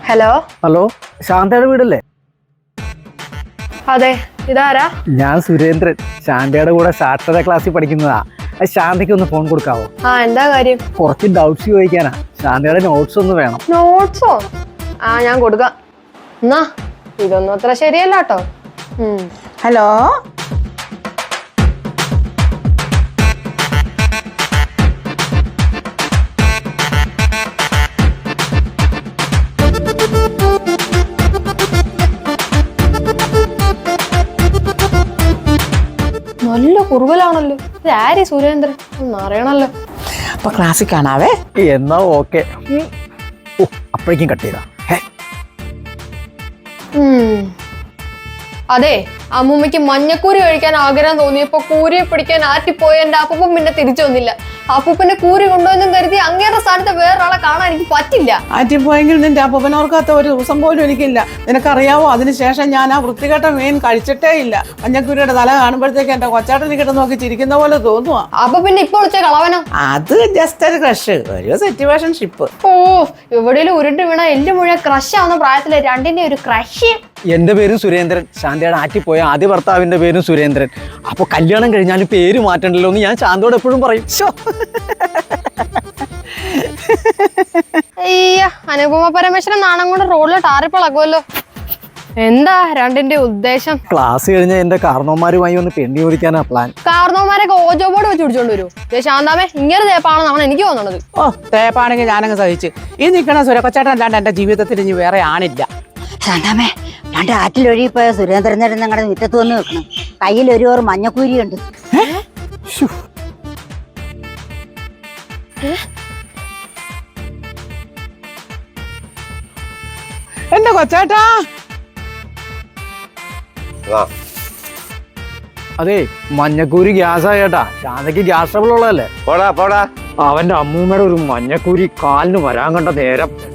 Hello hello, ശാന്തയുടെ വീടല്ലേ? അതെ, ഇതാരാ? ഞാൻ സുരേന്ദ്രൻ, ശാന്തയുടെ കൂടെ സാക്ഷരതാ ക്ലാസ്സിൽ പഠിക്കുന്നതാ. ശാന്തയ്ക്ക് ഒന്ന് ഫോൺ കൊടുക്കാവോ? എന്താ കാര്യം? കുറച്ച് ഡൗട്ട്സ് ചോദിക്കാനാ. ശാന്തയുടെ നോട്ട്സ് ഒന്ന് വേണം. നോട്ട്സോ? ഞാൻ കൊടുക്കാം. എന്നാ ഇതൊന്നും അത്ര ശരിയല്ല കേട്ടോ. ഹലോ, നല്ല കുറുകലാണല്ലോ. ഇത് ആര് സുരേന്ദ്രൻ ഒന്ന് അറിയണല്ലോ. അപ്പൊ ക്ലാസ്സിൽ കാണാവേ. എന്നാ ഓക്കെ. അപ്പോഴേക്കും കട്ട് ചെയ്താ. അതെ, അമ്മൂമ്മയ്ക്ക് മഞ്ഞക്കൂരി കഴിക്കാൻ ആഗ്രഹം തോന്നിയപ്പോ കൂരിയെ പിടിക്കാൻ ആറ്റിപ്പോയ എന്റെ അപ്പൂപ്പൻ പിന്നെ തിരിച്ചു വന്നില്ല. അപ്പൂപ്പന്റെ കൂരി കൊണ്ടുവന്നും കരുതി അങ്ങേറെ സ്ഥാനത്ത് വേറൊരാളെ കാണാൻ എനിക്ക് പറ്റില്ല. ആറ്റിപ്പോയെങ്കിൽ നിന്റെ അപ്പൂപ്പൻ ഓർക്കാത്ത ഒരു ദിവസം പോലും എനിക്കില്ല. നിനക്കറിയാവോ, അതിനുശേഷം ഞാൻ ആ വൃത്തികെട്ട മീൻ കഴിച്ചിട്ടേ ഇല്ല. മഞ്ഞക്കൂരിയുടെ തല കാണുമ്പോഴത്തേക്ക് എന്റെ കൊച്ചാട്ടനെ കിട്ടുന്ന നോക്കി ചിരിക്കുന്ന പോലെ തോന്നുവാ. അപ്പൊ പിന്നെ ഇപ്പോൾ വിളിച്ച കളവനോ? അത് ജസ്റ്റ് ഒരു ക്രഷ്, ഒരു സിറ്റുവേഷൻഷിപ്പ്. എവിടെയും ഉരുണ്ട് വീണ എല്ല് മുഴുവൻ ക്രഷ് ആവുന്ന പ്രായത്തില് രണ്ടിന്റെ ഒരു ക്രഷ്. എന്റെ പേരും സുരേന്ദ്രൻ, ശാന്തയുടെ ആറ്റിപ്പോയ ആദ്യ ഭർത്താവിന്റെ പേരും സുരേന്ദ്രൻ. അപ്പൊ കല്യാണം കഴിഞ്ഞാലും പേര് മാറ്റണ്ടല്ലോ എന്ന് ഞാൻ ശാന്തയോട് എപ്പോഴും പറയും. അയ്യ, അനുപമ പരമേശ്വരൻ നാണം കൊണ്ട് റോഡിൽ ടാറിപ്പളകുമല്ലോ. എന്താ രണ്ടിന്റെ ഉദ്ദേശം? ക്ലാസ് കഴിഞ്ഞ എന്റെ കാരണവന്മാരുമായി ഒന്ന് പെണ്ണി ചോദിക്കാനാ പ്ലാൻ. കാരണവന്മാരൊക്കെ ഓജോ ബോർഡ് വെച്ച് പിടിച്ചോണ്ട് വരൂ. ശാന്താമേ, ഇങ്ങനെ തേപ്പാണെന്നാണ് എനിക്ക് തോന്നുന്നത്. തേപ്പാണെങ്കിൽ ഞാനങ്ങ് സഹിച്ച്. ഈ നിൽക്കണ സുരക്കൊച്ചാട്ടൻ അല്ലാണ്ട് എന്റെ ജീവിതത്തിൽ ഇനി വേറെ ആണില്ല. ശാന്താമേ, രണ്ട് ആറ്റിലൊഴുകിപ്പോയ സുരേന്ദ്രനേരം ഞങ്ങളുടെ മുറ്റത്ത് വന്ന് വെക്കണം. കയ്യിൽ ഒരു ഓർ മഞ്ഞക്കൂരിയുണ്ട്. എന്റെ കൊച്ചാട്ടാ. അതെ, മഞ്ഞക്കൂരി ഗ്യാസാ ചേട്ടാ. ശാന്തയ്ക്ക് ഗ്യാസ് ട്രബിൾ ഉള്ളതല്ലേ. പോടാ പോടാ. അവന്റെ അമ്മൂമ്മയുടെ ഒരു മഞ്ഞക്കൂരി കാലിന് വരാൻ കണ്ട നേരം